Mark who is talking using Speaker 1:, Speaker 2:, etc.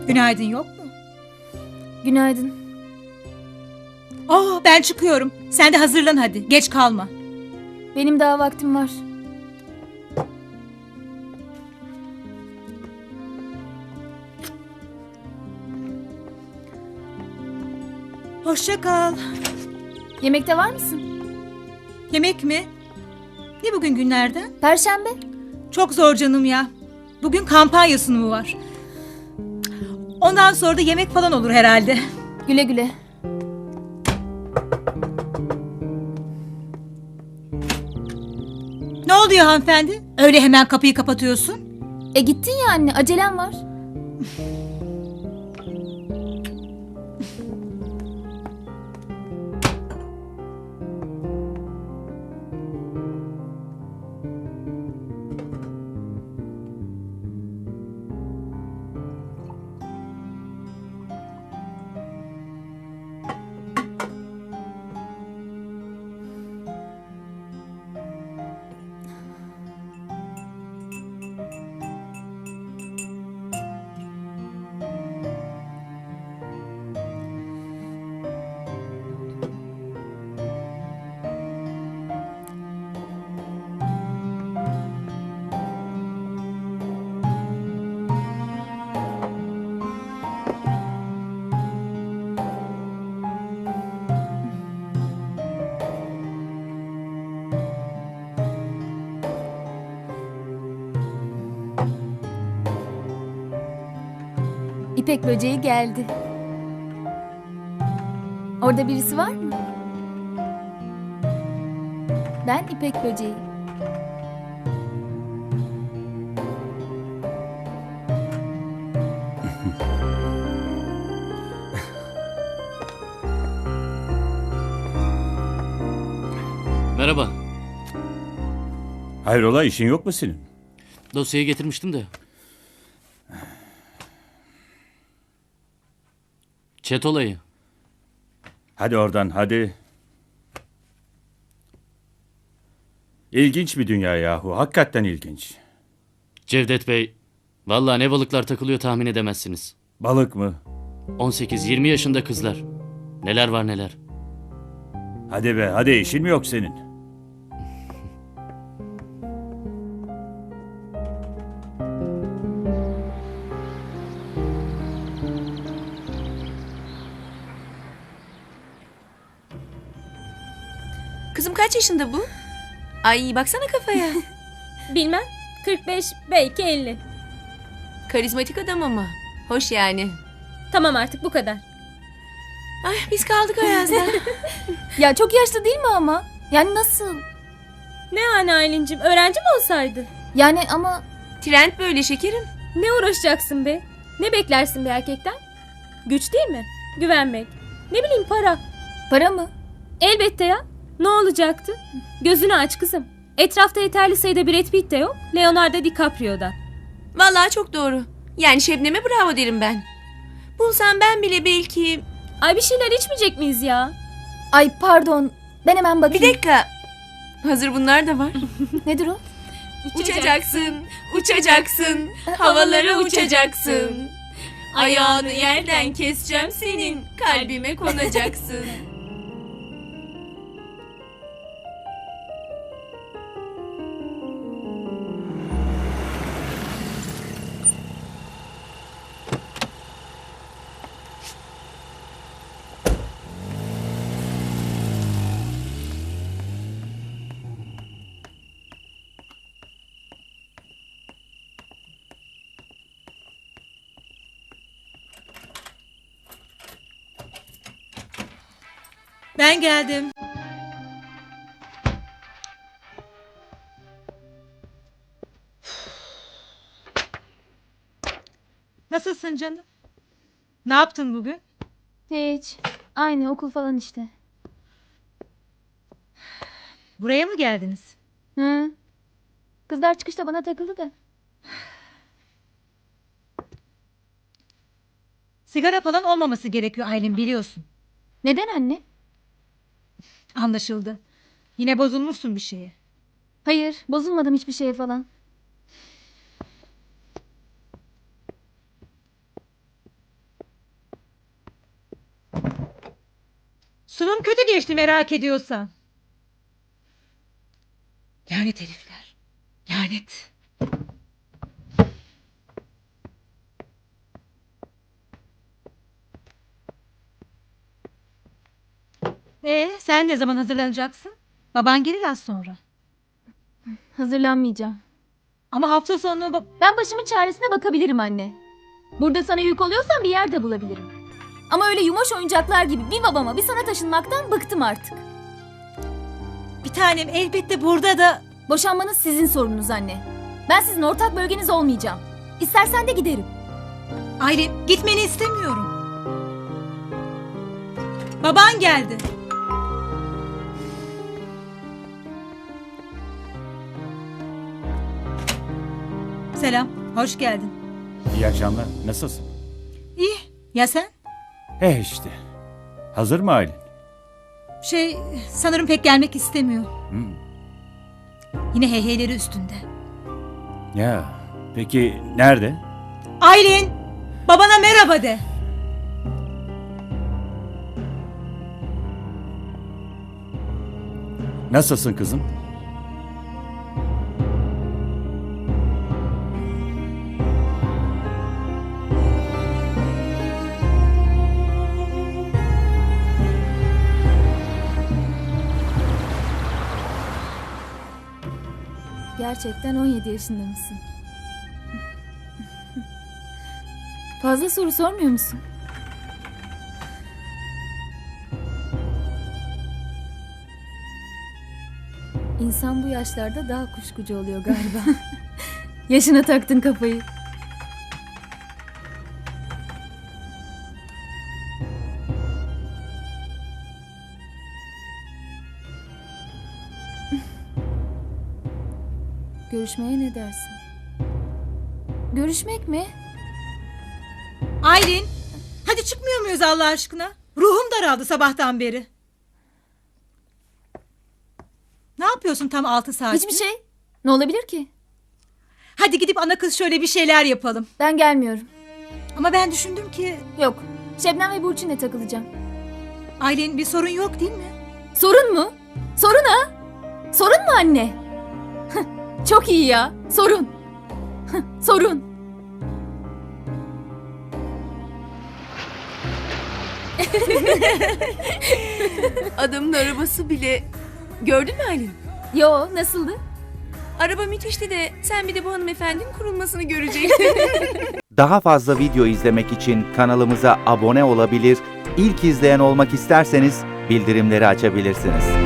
Speaker 1: Günaydın yok mu?
Speaker 2: Günaydın.
Speaker 1: Ben çıkıyorum. Sen de hazırlan hadi. Geç kalma.
Speaker 2: Benim daha vaktim var.
Speaker 1: Hoşça kal.
Speaker 2: Yemekte var mısın?
Speaker 1: Yemek mi? Ne bugün günlerden?
Speaker 2: Perşembe.
Speaker 1: Çok zor canım ya. Bugün kampanya sunumu var. Ondan sonra da yemek falan olur herhalde.
Speaker 2: Güle güle.
Speaker 1: Ne oluyor hanımefendi? Öyle hemen kapıyı kapatıyorsun.
Speaker 2: Gittin ya anne, acelem var. İpek böceği geldi. Orada birisi var mı? Ben İpek böceği.
Speaker 3: Merhaba.
Speaker 4: Hayrola, işin yok mu senin?
Speaker 3: Dosyayı getirmiştim de. Çet olayı.
Speaker 4: Hadi oradan, hadi. İlginç bir dünya yahu. Hakikaten ilginç.
Speaker 3: Cevdet Bey, vallahi ne balıklar takılıyor tahmin edemezsiniz.
Speaker 4: Balık mı?
Speaker 3: 18-20 yaşında kızlar. Neler var neler.
Speaker 4: Hadi be, hadi, işin mi yok senin?
Speaker 5: Kızım kaç yaşında bu? Ay baksana kafaya.
Speaker 6: Bilmem. 45 belki 50.
Speaker 5: Karizmatik adam ama. Hoş yani.
Speaker 6: Tamam artık bu kadar.
Speaker 5: Ay biz kaldık Ayaz'da.
Speaker 2: Ya çok yaşlı değil mi ama? Yani nasıl?
Speaker 6: Ne yani Aylin'cim, öğrenci mi olsaydı?
Speaker 2: Yani ama
Speaker 5: Trend böyle şekerim.
Speaker 6: Ne uğraşacaksın be? Ne beklersin bir erkekten? Güç değil mi? Güvenmek. Ne bileyim para.
Speaker 2: para mı?
Speaker 6: Elbette ya. Ne olacaktı? Gözünü aç kızım. Etrafta yeterli sayıda Brad Pitt de yok. Leonardo DiCaprio da.
Speaker 5: Vallahi çok doğru. Yani Şebnem'e bravo derim ben. Bulsam ben bile belki...
Speaker 6: Ay bir şeyler içmeyecek miyiz ya?
Speaker 2: Ay pardon. Ben hemen
Speaker 5: Bir
Speaker 2: bakayım.
Speaker 5: dakika. Hazır bunlar da var.
Speaker 2: Nedir o?
Speaker 5: Uçacaksın, uçacaksın, havalara uçacaksın. Ayağını yerden keseceğim senin, kalbime konacaksın.
Speaker 1: Ben geldim. Nasılsın canım? Ne yaptın bugün?
Speaker 2: Hiç. Aynı okul falan işte.
Speaker 1: Buraya mı geldiniz?
Speaker 2: Hı. Kızlar çıkışta bana takıldı da.
Speaker 1: Sigara falan olmaması gerekiyor Aylin, biliyorsun.
Speaker 2: Neden anne?
Speaker 1: Anlaşıldı. Yine bozulmuşsun bir şeye.
Speaker 2: Hayır, bozulmadım hiçbir şeye falan.
Speaker 1: Sunum kötü geçti merak ediyorsan. Lanet herifler. Lanet. Sen ne zaman hazırlanacaksın? Baban gelir az sonra.
Speaker 2: Hazırlanmayacağım.
Speaker 1: Ama hafta sonu
Speaker 2: Ben başımın çaresine bakabilirim anne. Burada sana yük oluyorsan bir yer de bulabilirim. Ama öyle yumoş oyuncaklar gibi bir babama bir sana taşınmaktan bıktım artık.
Speaker 1: bir tanem elbette burada da...
Speaker 2: Boşanmanız sizin sorununuz anne. Ben sizin ortak bölgeniz olmayacağım. İstersen de giderim.
Speaker 1: Aylin gitmeni istemiyorum. Baban geldi. Selam, hoş geldin.
Speaker 4: İyi akşamlar. Nasılsın?
Speaker 1: İyi, ya sen?
Speaker 4: İşte. Hazır mı Aylin?
Speaker 1: Sanırım pek gelmek istemiyor.
Speaker 4: Hmm.
Speaker 1: Yine heyheyleri üstünde.
Speaker 4: Ya peki nerede?
Speaker 1: Aylin, babana merhaba de.
Speaker 4: Nasılsın kızım?
Speaker 2: Gerçekten 17 yaşında mısın? Fazla soru sormuyor musun? İnsan bu yaşlarda daha kuşkucu oluyor galiba. Yaşına taktın kafayı. Görüşmeye ne dersin? Görüşmek mi?
Speaker 1: Aylin, hadi çıkmıyor muyuz Allah aşkına? Ruhum daraldı sabahtan beri. Ne yapıyorsun tam 6 saat?
Speaker 2: Hiçbir şey. Ne olabilir ki?
Speaker 1: Hadi gidip ana kız şöyle bir şeyler yapalım.
Speaker 2: Ben gelmiyorum.
Speaker 1: Ama ben düşündüm ki...
Speaker 2: Yok. Şebnem ve Burçin'le takılacağım.
Speaker 1: Aylin bir sorun yok değil mi?
Speaker 2: Sorun mu? Sorun ha? Sorun mu anne? Çok iyi ya. Sorun. Sorun.
Speaker 5: Adamın arabası bile... Gördün mü Aylin?
Speaker 2: Yo, nasıldı?
Speaker 5: Araba müthişti de sen bir de bu hanımefendinin kurulmasını görecektin.
Speaker 7: Daha fazla video izlemek için kanalımıza abone olabilir, ilk izleyen olmak isterseniz bildirimleri açabilirsiniz.